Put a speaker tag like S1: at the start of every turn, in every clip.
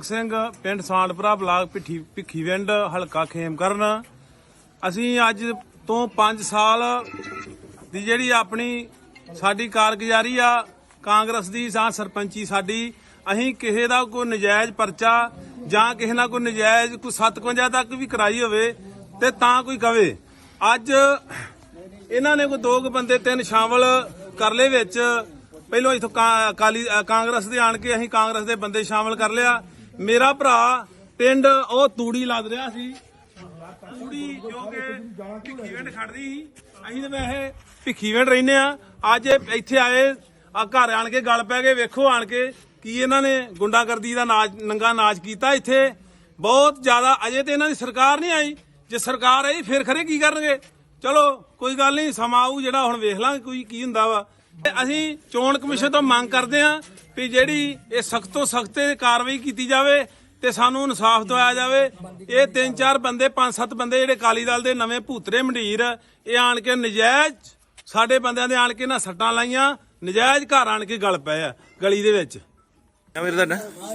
S1: ਗੁਰਮੁਖ ਸਿੰਘ ਪਿੰਡ ਸਾਂਡਪੁਰਾ ਬਲਾਕ ਭਿੱਖੀਵਿੰਡ ਹਲਕਾ ਖੇਮਕਰਨ। ਅਸੀਂ ਅੱਜ ਤੋਂ 5 ਸਾਲ ਦੀ ਜਿਹੜੀ ਆਪਣੀ ਸਾਡੀ ਕਾਰਗੁਜ਼ਾਰੀ ਆ ਕਾਂਗਰਸ ਦੀ ਜਾਂ ਸਰਪੰਚੀ ਸਾਡੀ, ਅਸੀਂ ਕਿਸੇ ਦਾ ਕੋਈ ਨਜਾਇਜ਼ ਪਰਚਾ ਜਾਂ ਕਿਸੇ ਨਾਲ ਕੋਈ ਨਜਾਇਜ਼ ਕੋਈ 57 ਤੱਕ ਵੀ ਕਰਾਈ ਹੋਵੇ ਤੇ ਤਾਂ ਕੋਈ ਕਵੇ। ਅੱਜ ਇਹਨਾਂ ਨੇ ਕੋਈ 2 ਬੰਦੇ 3 ਸ਼ਾਮਲ ਕਰ ਲਏ ਵਿੱਚ। ਪਹਿਲੋਂ ਇਥੋਂ ਕਾਂਗਰਸ ਦੇ ਆਣ ਕੇ ਅਸੀਂ ਕਾਂਗਰਸ ਦੇ ਬੰਦੇ ਸ਼ਾਮਲ ਕਰ ਲਿਆ। ਮੇਰਾ ਭਰਾ ਪਿੰਡ ਉਹ ਤੂੜੀ ਲੱਦ ਰਿਹਾ ਸੀ, ਤੂੜੀ ਜੋ ਕਿ ਭਿੱਖੀਵਿੰਡ ਖੜਦੀ ਸੀ। ਅਸੀਂ ਤਾਂ ਵੈਸੇ ਭਿੱਖੀਵਿੰਡ ਰਹਿੰਦੇ ਆ। ਅੱਜ ਇੱਥੇ ਆਏ ਆ ਘਰ ਆਣ ਕੇ ਗੱਲ ਪੈ ਗਏ। ਵੇਖੋ ਆਣ ਕੇ ਕੀ ਇਹਨਾਂ ਨੇ ਗੁੰਡਾਗਰਦੀ ਦਾ ਨੰਗਾ ਨਾਚ ਕੀਤਾ ਇੱਥੇ ਬਹੁਤ ਜ਼ਿਆਦਾ। ਅਜੇ ਤੇ ਇਹਨਾਂ ਦੀ ਸਰਕਾਰ ਨਹੀਂ ਆਈ, ਜੇ ਸਰਕਾਰ ਆਈ ਫਿਰ ਖਰੇ ਕੀ ਕਰਨਗੇ। ਚਲੋ ਕੋਈ ਗੱਲ ਨਹੀਂ, ਸਮਾਂ ਆਊ ਜਿਹੜਾ, ਹੁਣ ਵੇਖ ਲਾਂਗੇ ਕੋਈ ਕੀ ਹੁੰਦਾ ਵਾ। ਅਸੀਂ ਚੋਣ ਕਮਿਸ਼ਨ ਤੋਂ ਮੰਗ ਕਰਦੇ ਹਾਂ ਵੀ ਜਿਹੜੀ ਇਹ ਸਖਤ ਤੋਂ ਸਖਤ ਕਾਰਵਾਈ ਕੀਤੀ ਜਾਵੇ ਤੇ ਸਾਨੂੰ ਇਨਸਾਫ ਦਿਵਾਇਆ ਜਾਵੇ। ਇਹ 3-4 ਬੰਦੇ 5-7 ਬੰਦੇ ਜਿਹੜੇ ਅਕਾਲੀ ਦਲ ਦੇ ਨਵੇਂ ਭੂਤਰੇ ਮੰਡੀਰ, ਇਹ ਆਣ ਕੇ ਨਜਾਇਜ਼ ਸਾਡੇ ਬੰਦਿਆਂ ਦੇ ਆਣ ਕੇ ਨਾ ਸੱਟਾਂ ਲਾਈਆਂ, ਨਜਾਇਜ਼ ਘਰ ਆਣ ਕੇ ਗਲ ਪਏ ਆ ਗਲੀ ਦੇ ਵਿੱਚ।
S2: ਤੁਹਾਡਾ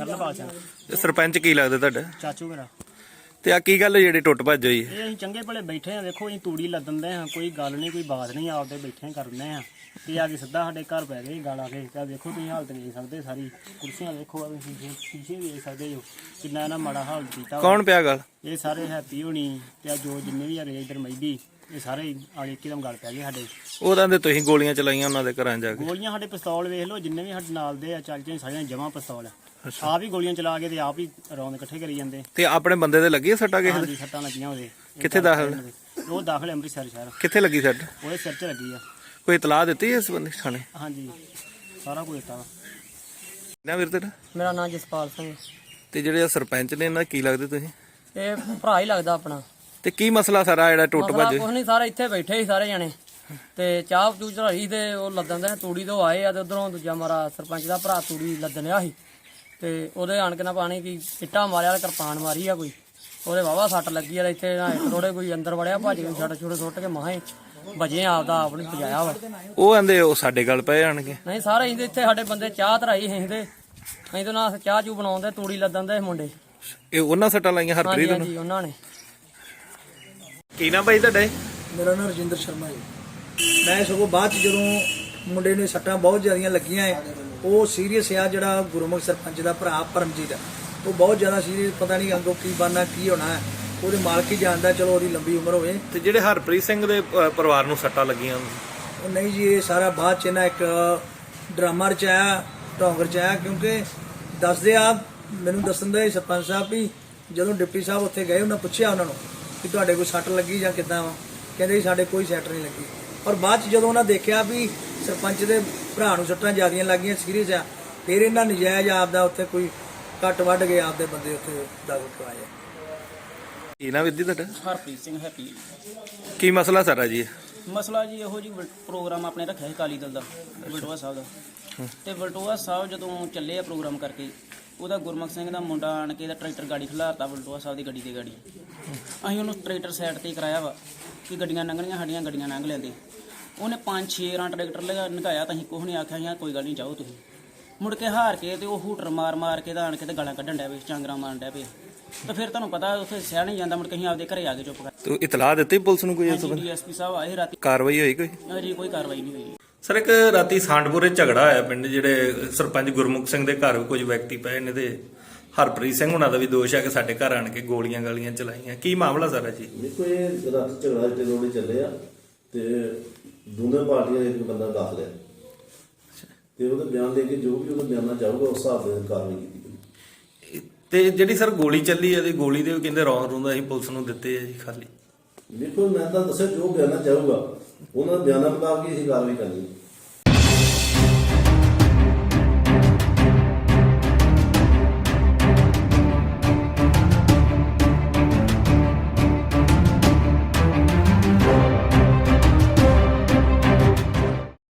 S2: ਸਰਪੰਚ ਕੀ ਲੱਗਦਾ ਤੁਹਾਡਾ?
S3: ਚਾਚੂ ਮੇਰਾ।
S2: ਤੇ ਆ ਕੀ ਗੱਲ ਜਿਹੜੀ ਟੁੱਟ ਭੱਜ ਹੋਈ?
S3: ਇਹ ਅਸੀਂ ਚੰਗੇ ਭਲੇ ਬੈਠੇ ਆ, ਵੇਖੋ ਅਸੀਂ ਤੂੜੀ ਲੱਦਣ ਦੇ ਆ, ਕੋਈ ਗੱਲ ਨਹੀਂ ਕੋਈ ਬਾਤ ਨਹੀਂ, ਆਪਦੇ ਬੈਠੇ ਕਰਦੇ ਆ ਤੇ ਆ ਕੇ ਸਿੱਧਾ ਸਾਡੇ ਘਰ ਪੈ ਗਏ ਗਾਲ ਆ ਕੇ। ਤਾਂ ਵੇਖੋ ਤੁਸੀਂ ਹਾਲਤ ਵੇਖ ਸਕਦੇ, ਸਾਰੀ ਕੁਰਸੀਆਂ ਵੇਖੋ, ਆ ਸ਼ੀਸ਼ੇ ਵੇਖ ਸਕਦੇ ਜੋ ਕਿੰਨਾ ਇਹਨਾਂ ਮਾੜਾ ਹਾਲ ਕੀਤਾ।
S2: ਕੌਣ ਪਿਆ ਗੱਲ?
S3: ਇਹ ਸਾਰੇ ਹੈਪੀ ਹੋਣੀ ਤੇ ਜੋ ਜਿੰਨੇ ਵੀ ਹੈਗੇ ਇਧਰ ਮਹਿਦੀ, ਇਹ ਸਾਰੇ ਆਲੇ ਇੱਕਦਮ ਗੱਲ ਪੈ ਗਏ ਸਾਡੇ।
S2: ਉਹਦਾਂ ਦੇ ਤੁਸੀਂ ਗੋਲੀਆਂ ਚਲਾਈਆਂ ਉਹਨਾਂ ਦੇ ਘਰਾਂ ਜਾ ਕੇ?
S3: ਗੋਲੀਆਂ ਸਾਡੇ ਪਿਸਤੌਲ ਵੇਖ ਲਓ, ਜਿੰਨੇ ਵੀ ਸਾਡੇ ਨਾਲ ਦੇ ਆ ਚੱਲ ਜੇ ਸਾਰੀਆਂ ਜਮਾ ਪਿਸਤੌਲ ਆਪ ਹੀ ਗੋਲੀਆਂ ਚਲਾ ਕੇ ਤੇ ਆਪ ਹੀ ਰੌਂਦ ਇਕੱਠੇ ਕਰੀ ਜਾਂਦੇ।
S2: ਤੇ ਆਪਣੇ ਬੰਦੇ ਦੇ ਲੱਗੀ ਸੱਟਾਂ ਕਿਸੇ ਦੇ?
S3: ਸੱਟਾਂ ਲੱਗੀਆਂ ਉਹਦੇ।
S2: ਕਿੱਥੇ ਦਾਖਲ?
S3: ਉਹ ਦਾਖਲ ਅੰਮ੍ਰਿਤਸਰ ਸ਼ਹਿਰ।
S2: ਕਿੱਥੇ ਲੱਗੀ ਸੱਟ?
S3: ਉਹਦੇ ਸਿਰ 'ਚ ਲੱਗੀ ਆ।
S2: ਕੋਈ ਇਤਲਾਹ ਦਿੱਤੀ ਇਸ ਬੰਦੇ ਥਾਣੇ?
S3: ਹਾਂਜੀ ਸਾਰਾ ਕੁਝ ਦਿੱਤਾ ਵਾ।
S2: ਨਾ ਵੀਰ ਤੇਰਾ?
S4: ਮੇਰਾ ਨਾਮ ਜਸਪਾਲ ਸਿੰਘ।
S2: ਤੇ ਜਿਹੜੇ ਸਰਪੰਚ ਨੇ ਇਹਨਾਂ ਕੀ ਲੱਗਦੇ ਤੁਸੀਂ?
S4: ਇਹ ਭਰਾ ਹੀ ਲੱਗਦਾ ਆਪਣਾ।
S2: ਤੇ ਕੀ ਮਸਲਾ ਸਾਰਾ ਜਿਹੜਾ ਟੁੱਟ ਭੱਜ?
S4: ਕੁਛ ਨਹੀਂ, ਸਾਰੇ ਇੱਥੇ ਬੈਠੇ ਸੀ ਸਾਰੇ ਜਣੇ ਤੇ ਚਾਹ ਚੂਹ ਚੜਾਈ ਤੇ ਉਹ ਲੱਦਣ ਦੇ ਤੂੜੀ ਤੋਂ ਆਏ ਆ ਤੇ ਉਧਰੋਂ ਦੂਜਾ ਮਾਰਾ ਸਰਪੰਚ ਦਾ ਭਰਾ ਤੂੜੀ ਲੱਦਣਿਆ ਸੀ ਤੇ ਉਹਦੇ ਆਣ ਕੇ ਨਾ ਪਾਣੀ ਕੀ ਇੱਟਾਂ ਮਾਰਿਆ, ਕਿਰਪਾਨ ਮਾਰੀ ਆ ਕੋਈ, ਉਹਦੇ ਵਾਵਾ ਸੱਟ ਲੱਗੀ ਆ। ਇੱਥੇ ਨਾ ਇੱਕ ਥੋੜੇ ਕੋਈ ਅੰਦਰ ਵੜਿਆ, ਭੱਜ ਕੇ ਛੱਡ ਛੁੱਟ ਸੁੱਟ ਕੇ ਮਹਾਂ ਵਜੇ ਆਪਦਾ ਆਪ ਨਹੀਂ ਪਜਾਇਆ ਵਾ।
S2: ਉਹ ਆਂਦੇ ਉਹ ਸਾਡੇ ਗੱਲ ਪਏ ਆਣਗੇ?
S4: ਨਹੀਂ, ਸਾਰੇ ਇੱਥੇ ਸਾਡੇ ਬੰਦੇ ਚਾਹ ਧਰਾਈ ਹੈਂਦੇ, ਅਸੀਂ ਤਾਂ ਨਾ ਚਾਹ ਚੂ ਬਣਾਉਂਦੇ, ਤੂੜੀ ਲੱਦਣ ਦੇ ਮੁੰਡੇ।
S2: ਇਹ ਉਹਨਾਂ ਸੱਟਾਂ ਲਾਈਆਂ ਹਰਪ੍ਰੀਤ ਨੂੰ?
S4: ਹਾਂਜੀ ਉਹਨਾਂ ਨੇ।
S2: ਕੀ ਨਾ ਭਾਈ ਤੁਹਾਡੇ?
S5: ਮੇਰਾ ਨਾਮ ਰਜਿੰਦਰ ਸ਼ਰਮਾ ਜੀ। ਮੈਂ ਸਗੋਂ ਬਾਅਦ ਚ ਜਦੋਂ ਮੁੰਡੇ ਨੂੰ ਸੱਟਾਂ ਬਹੁਤ ਜ਼ਿਆਦੀਆਂ ਲੱਗੀਆਂ ਹੈ, ਉਹ ਸੀਰੀਅਸ ਆ। ਜਿਹੜਾ ਗੁਰਮੁਖ ਸਰਪੰਚ ਦਾ ਭਰਾ ਪਰਮਜੀਤ, ਉਹ ਬਹੁਤ ਜ਼ਿਆਦਾ ਸੀਰੀਅਸ, ਪਤਾ ਨਹੀਂ ਅੱਗੋਂ ਕੀ ਬਣਨਾ ਕੀ ਹੋਣਾ ਹੈ, ਉਹਦੇ ਮਾਲਕ ਹੀ ਜਾਣਦਾ। ਚਲੋ ਉਹਦੀ ਲੰਬੀ ਉਮਰ ਹੋਵੇ।
S2: ਤੇ ਜਿਹੜੇ ਹਰਪ੍ਰੀਤ ਸਿੰਘ ਦੇ ਪਰਿਵਾਰ ਨੂੰ ਸੱਟਾਂ ਲੱਗੀਆਂ?
S5: ਉਹ ਨਹੀਂ ਜੀ, ਇਹ ਸਾਰਾ ਬਾਅਦ ਚ ਨਾ ਇੱਕ ਡਰਾਮਾ ਰਚਾਇਆ, ਢੋਂਗ ਰਚਾਇਆ। ਕਿਉਂਕਿ ਦੱਸਦੇ ਆ, ਮੈਨੂੰ ਦੱਸਣ ਦੇ ਸਰਪੰਚ ਸਾਹਿਬ ਵੀ ਜਦੋਂ ਡਿਪਟੀ ਸਾਹਿਬ ਉੱਥੇ ਗਏ, ਉਹਨਾਂ ਪੁੱਛਿਆ ਉਹਨਾਂ ਨੂੰ ਕਿ ਤੁਹਾਡੇ ਕੋਈ ਸੱਟ ਲੱਗੀ ਜਾਂ ਕਿੱਦਾਂ ਵਾ, ਕਹਿੰਦੇ ਸਾਡੇ ਕੋਈ ਸੱਟ ਨਹੀਂ ਲੱਗੀ। ਔਰ ਬਾਅਦ ਚ ਜਦੋਂ ਉਹਨਾਂ ਦੇਖਿਆ ਵੀ ਸਰਪੰਚ ਦੇ ਭਰਾ ਨੂੰ ਸੱਟਾਂ ਜ਼ਿਆਦੀਆਂ ਲੱਗੀਆਂ, ਸੀਰੀਅਸ ਆ, ਫਿਰ ਇਹਨਾਂ ਨਜਾਇਜ਼ ਆਪਦਾ ਉੱਥੇ ਕੋਈ ਕੱਟ ਵੱਢ ਕੇ ਆਪਦੇ ਬੰਦੇ ਉੱਥੇ ਦਾਖਲ ਕਰਵਾਏ।
S2: ਕੀ ਨਾ ਵਿਧੀ ਤੁਹਾਡਾ?
S3: ਹਰਪ੍ਰੀਤ ਸਿੰਘ ਹੈਪੀ।
S2: ਕੀ ਮਸਲਾ ਸਾਰਾ ਜੀ?
S3: ਮਸਲਾ ਜੀ ਇਹੋ ਜੀ ਪ੍ਰੋਗਰਾਮ ਆਪਣੇ ਰੱਖਿਆ ਸੀ ਅਕਾਲੀ ਦਲ ਦਾ, ਵਲਟੋਆ ਸਾਹਿਬ ਦਾ। ਤੇ ਵਲਟੋਆ ਸਾਹਿਬ ਜਦੋਂ ਚੱਲੇ ਆ ਪ੍ਰੋਗਰਾਮ ਕਰਕੇ, ਉਹਦਾ ਗੁਰਮੁਖ ਸਿੰਘ ਦਾ ਮੁੰਡਾ ਆਣ ਕੇ ਦਾ ਟਰੈਕਟਰ ਗਾੜੀ ਖਿਲਾਰਤਾ ਵਲਟੋਆ ਸਾਹਿਬ ਦੀ ਗੱਡੀ ਤੇ ਗਾੜੀ। ਅਸੀਂ ਉਹਨੂੰ ਟਰੈਕਟਰ ਸਾਈਡ ਤੇ ਕਰਾਇਆ ਵਾ ਕਿ ਗੱਡੀਆਂ ਲੰਘਣੀਆਂ, ਸਾਡੀਆਂ ਗੱਡੀਆਂ ਲੰਘ ਲੈਂਦੇ। ਉਹਨੇ 5-6 ਰਾਂ ਟਰੈਕਟਰ ਲੰਘਾਇਆ ਤਾਂ ਅਸੀਂ ਕੁਛ ਨਹੀਂ ਆਖਿਆ, ਜਾਂ ਕੋਈ ਗੱਲ ਨਹੀਂ ਜਾਓ ਤੁਸੀਂ। ਮੁੜ ਕੇ ਹਾਰ ਕੇ ਤੇ ਉਹ ਹੂਟਰ ਮਾਰ ਕੇ ਤਾਂ ਆਣ ਕੇ ਤੇ ਗਾਲਾਂ ਕੱਢਣ ਡਿਆ ਪਏ, ਚਾਂਗਰਾਂ ਮਾਰਨ ਡਿਆ ਪਏ। ਤਾਂ ਫਿਰ ਤੁਹਾਨੂੰ ਪਤਾ ਉੱਥੇ ਸਹਿ ਨਹੀਂ ਜਾਂਦਾ। ਮੁੜ ਕੇ ਅਸੀਂ ਆਪਦੇ ਘਰੇ ਆ ਕੇ ਚੁੱਪ ਕਰ।
S2: ਤੂੰ ਇਤਲਾਹ ਦਿੱਤੀ ਪੁਲਿਸ ਨੂੰ ਕੋਈ?
S3: ਡੀਐਸਪੀ ਸਾਹਿਬ ਆਏ ਰਾਤੀ।
S2: ਕਾਰਵਾਈ ਹੋਈ ਕੋਈ?
S3: ਅਜੇ ਕੋਈ ਕਾਰਵਾਈ ਨਹੀਂ ਹੋਈ।
S2: ਸਰ, ਇੱਕ ਰਾਤੀ ਸਾਂਡਪੁਰੇ ਝਗੜਾ ਹੋਇਆ ਪਿੰਡ, ਜਿਹੜੇ ਸਰਪੰਚ ਗੁਰਮੁਖ ਸਿੰਘ ਦੇ ਘਰ ਕੁਝ ਵਿਅਕਤੀ ਪਏ ਨੇ ਤੇ ਹਰਪ੍ਰੀਤ ਸਿੰਘ ਹੁਣਾਂ ਦਾ ਵੀ ਦੋਸ਼ ਹੈ ਕਿ ਸਾਡੇ ਘਰ ਆਣ ਕੇ ਗੋਲੀਆਂ ਗਾਲੀਆਂ ਚਲਾਈਆਂ। ਕੀ ਮਾਮਲਾ ਸਾਰਾ ਜੀ?
S6: ਦੇਖੋ, ਇਹ ਰਾਤ ਝਗੜਾ ਤੇ ਰੋੜੇ ਚੱਲੇ ਆ ਤੇ ਦੋਨੇ ਪਾਰਟੀਆਂ ਦੇ ਇੱਕ ਬੰਦਾ ਦਾਖਲ ਹੈ ਤੇ ਉਹਦਾ ਬਿਆਨ ਲੈ ਕੇ ਜੋ ਵੀ ਉਹਦਾ ਬਿਆਨਾ ਚਾਹੂਗਾ ਉਸ ਹਿਸਾਬ ਦੇ ਕਾਰਵਾਈ ਕੀਤੀ ਜਾਊਗੀ।
S2: ਤੇ ਜਿਹੜੀ ਸਰ ਗੋਲੀ ਚੱਲੀ ਹੈ, ਗੋਲੀ ਦੇ ਕਹਿੰਦੇ ਰੌਂਦ ਰੂੰਦ ਅਸੀਂ ਪੁਲਿਸ ਨੂੰ ਦਿੱਤੇ ਆ ਜੀ ਖਾਲੀ?
S6: ਦੇਖੋ, ਮੈਂ ਤਾਂ ਦੱਸਿਆ ਜੋ ਬਿਆਨਾ ਚਾਹੂਗਾ ਉਹਨਾਂ ਦਾ ਬਿਆਨਾ ਮੁਤਾਬਕ ਹੀ ਅਸੀਂ ਕਾਰਵਾਈ ਕਰਨੀ।